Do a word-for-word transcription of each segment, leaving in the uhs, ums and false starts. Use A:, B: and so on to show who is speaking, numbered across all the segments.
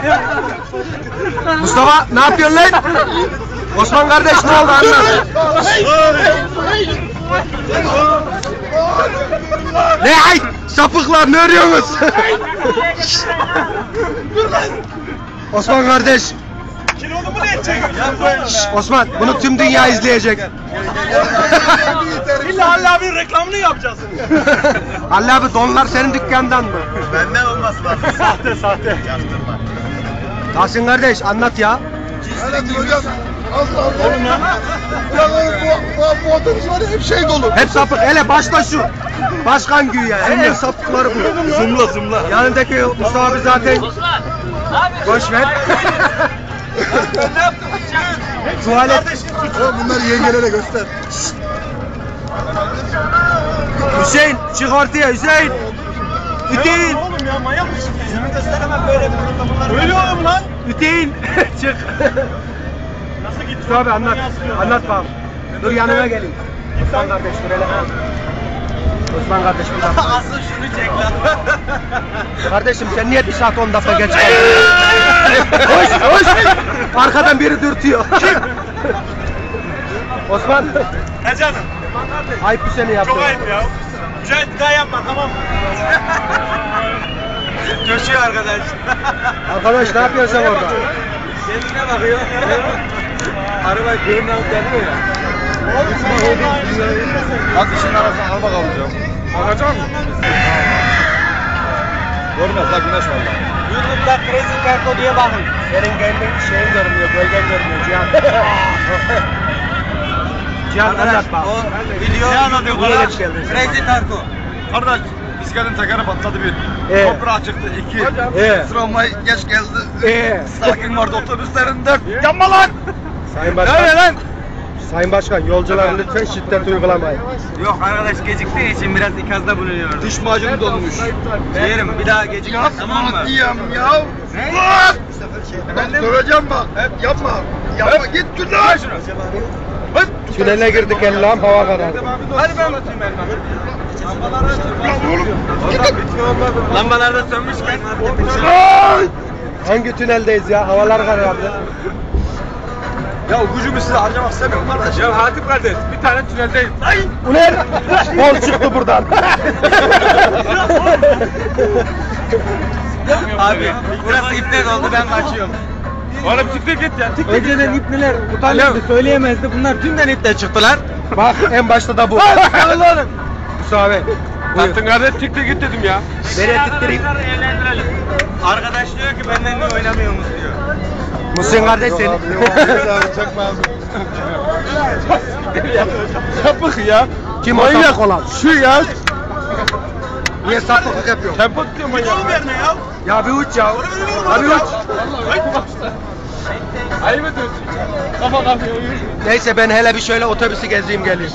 A: Mustafa ne yapıyorsun lan? Osman kardeş ne oldu anlat. Ne ay sapıklar ne arıyorsunuz? Osman kardeş.
B: Kilolu mu ne edecek?
A: Osman bunu tüm dünya izleyecek.
B: İlla Halil abinin reklamını yapacağız.
A: Allah abi donlar senin dükkandan mı?
B: Benden olması lazım. Sahte sahte. Yaptırma.
A: Tahsin kardeş anlat ya.
C: Anlatın hocam. Allah Allah. Oğlum ya. Ya bu, bu, bu otobüs var ya hep şey dolu.
A: Hep sapık. Hele başta şu. Başkan güya. En sapıkları bu.
B: Zımla zımla.
A: Yanındaki Mustafa abi zaten. Boş ver. Tuvalet.
C: Oğlum bunları yengelere göster.
A: Hüseyin çık ortaya Hüseyin. Hüseyin.
B: Oğlum ya manyak mısın? Yüzümü gösteremem böyle bunlar. Öyle oğlum lan.
A: Hüseyin. Çık.
B: Nasıl gitti?
A: Mustafa abi anlat. Anlat bakalım. Dur yanıma gelin. Osman kardeş dur hele. Osman kardeş burada.
B: Asıl şunu çek lan.
A: Kardeşim sen niye bir saat on dakika geç kaldın? Hoş hoş. Arkadan biri dürtüyor. Osman.
B: He canım.
A: Ayıp bir seni yaptın.
B: Çok ayıp ya. Mücahit bir daha yapma tamam mı? Coşuyor arkadaş.
A: Arkadaş ne yapıyorsun sen orada?
B: Kendine bakıyor. Arabayı görünen geliyor ya.
C: Hadi işin arasına al bakalım canım.
B: Bakacak mısın?
C: Görmez la güneş valla.
A: YouTube'da Crazy Carto diye bakın. Senin kendin şeyin görünüyor, bölgen görünüyor Cihan. Cihan anlat bak.
B: Video ne anlatıyor
A: Niye
B: bana?
A: geç geldin?
B: Crazy Tarko.
C: Kardeş bisikletin tekeri patladı bir.
A: Ee?
C: Toprağa çıktı iki.
A: Ee?
C: Tramvay geç geldi.
A: Ee?
C: Sakin vardı otobüslerin dört. Yanma lan!
A: Sayın Başkan.
C: Ne lan?
A: Sayın Başkan yolculara lütfen şiddet uygulamayın.
B: Yok arkadaş geciktiği için biraz ikazda bulunuyoruz.
C: Diş macunu dolmuş.
B: Yerim bir daha gecikmez tamam mı?
C: Diyem ya. Lan! Ben döveceğim bak. Hep yapma. Yapma git dur lan.
A: Tünele girdik Allah'ım hava karardı.
B: Hadi ben atayım elma.
C: Lan oğlum.
B: Lambalar da sönmüşken.
A: Hangi tüneldeyiz ya? Havalar karardı.
C: Ya gücümü size harcamak istemiyorum kardeş.
B: Ya Hatip kardeş bir tane tüneldeyiz. Ay!
A: Bu ne? Bol çıktı buradan.
B: Abi burası iptal oldu ben kaçıyorum. Oğlum çıktı git ya. Tik
A: Önceden ipneler utanıyordu,
B: söyleyemezdi. Bunlar tümden iptal çıktılar.
A: Bak en başta da bu.
B: oğlum.
A: Musa abi. Buyur.
B: Taktın kardeş çıktı git dedim ya.
A: Nereye tittireyim?
B: Arkadaş diyor ki benden niye oynamıyorsunuz diyor.
A: Muhsin kardeş seni.
C: Çekme abi.
B: Sapık ya.
A: Kim o sapık olan?
B: Şu ya.
A: Niye sapıklık yapıyorsun?
B: Tempo tutuyor manyak. Oğlum verme ya.
A: Ya bir uç ya. Abi uç.
B: Ayıp ediyorsun. Kafa kalkıyor.
A: Neyse ben hele bir şöyle otobüsü gezeyim geleyim.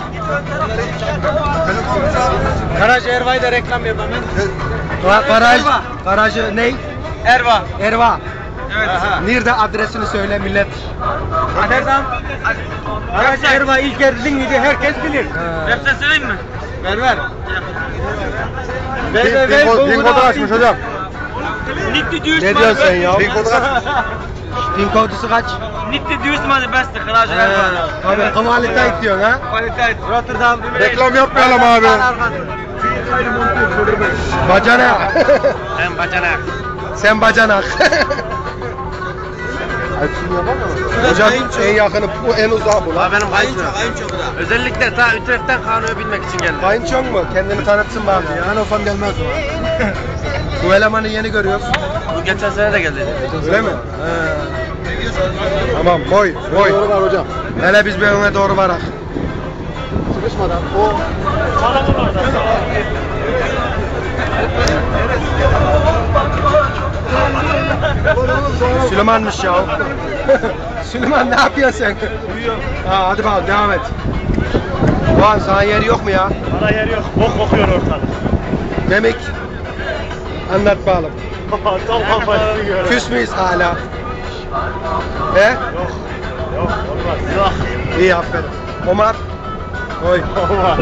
A: Garaj Erva'yı da reklam yapalım. Ga- Garaj, garajı ne?
B: Erva.
A: Erva.
B: Evet.
A: Nerede adresini söyle millet.
B: Aderdan. Garaj Erva ilk geldin miydi herkes bilir. Web söyleyeyim mi? Ver ver.
C: Pin kodu açmış hocam.
B: Nitti düğüs
A: Ne diyorsun sen ya?
C: Pin kodu açmış.
A: Pin kodusu kaç?
B: Nitti düğüs malı beste Garaj Erva.
A: Abi kvalite diyorsun ha?
B: Kalite. Rotterdam.
C: Reklam yapmayalım abi.
A: Bacanak.
B: Ben bacanak.
A: Sen bacanak. Hocam en yakını bu en uzağı bu lan.
B: Benim kayınço, kayınço bu da. Özellikle ta Utrecht'ten Kaan'ı bilmek için geldim.
A: Kayınçon mu? Kendini tanıtsın bari ya.
C: Ben olsam gelmez o.
A: Bu elemanı yeni görüyoruz.
B: Bu geçen sene de geldi.
A: Öyle mi? Tamam boy boy.
C: Doğru var hocam.
A: Hele biz bir öne doğru varak.
C: Sıkışmadan. O.
A: Süleyman'mış ya. Süleyman ne yapıyorsun sen?
B: Uyuyor.
A: Ha, hadi bakalım devam et. Doğan sana yeri yok mu ya?
B: Bana yer yok. Bok kokuyor ortalık.
A: Demek anlat bakalım.
B: Tam kafasını gör.
A: Küs müyüz hala? He?
B: Yok. Yok. Olmaz. Yok.
A: İyi aferin. Omar. Oy.
B: Olmaz.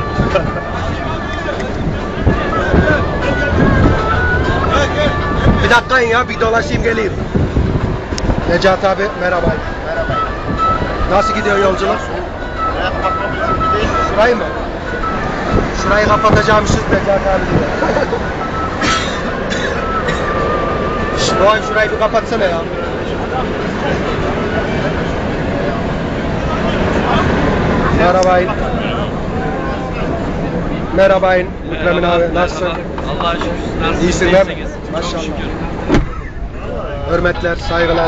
A: Bir dakika in ya bir dolaşayım geleyim. Necati abi merhaba.
C: Merhaba.
A: Nasıl gidiyor yolculuk?
C: Hayat bakmamız için değil.
A: Şurayı mı? Şurayı kapatacağımışız Necati abi diyor. Şş, Doğan şurayı bir kapatsana ya. Merhabayın. Merhabayın. Mükremin abi nasılsın?
B: Allah'a şükür. Nasılsın?
A: İyisin değil mi? Maşallah. Hürmetler, saygılar.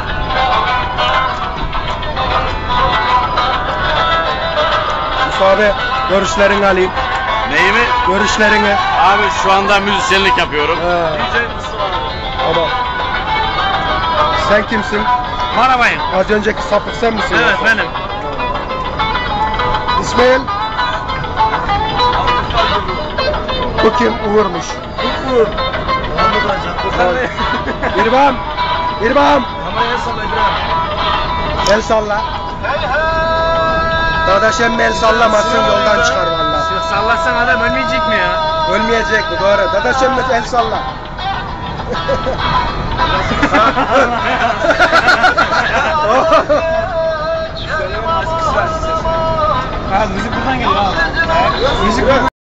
A: Mustafa abi, görüşlerini alayım.
D: Neyi mi?
A: Görüşlerini.
D: Abi şu anda müzisyenlik yapıyorum.
A: Ha, tamam. Sen kimsin?
B: Merhabayın.
A: Az önceki sapık sen misin?
B: Evet
A: yoksa?
B: benim.
A: İsmail. Bu kim? Uğur'muş.
B: Uğur. Muhammed Hocam.
A: İrfan. İrfan.
B: Kameraya salla İbrahim.
A: El salla. Dadaş emmi el sallamasın yoldan çıkar valla.
B: Sallarsan adam ölmeyecek mi ya?
A: Ölmeyecek bu doğru. Dadaş emmi el salla.
B: Ha müzik buradan geliyor abi. Müzik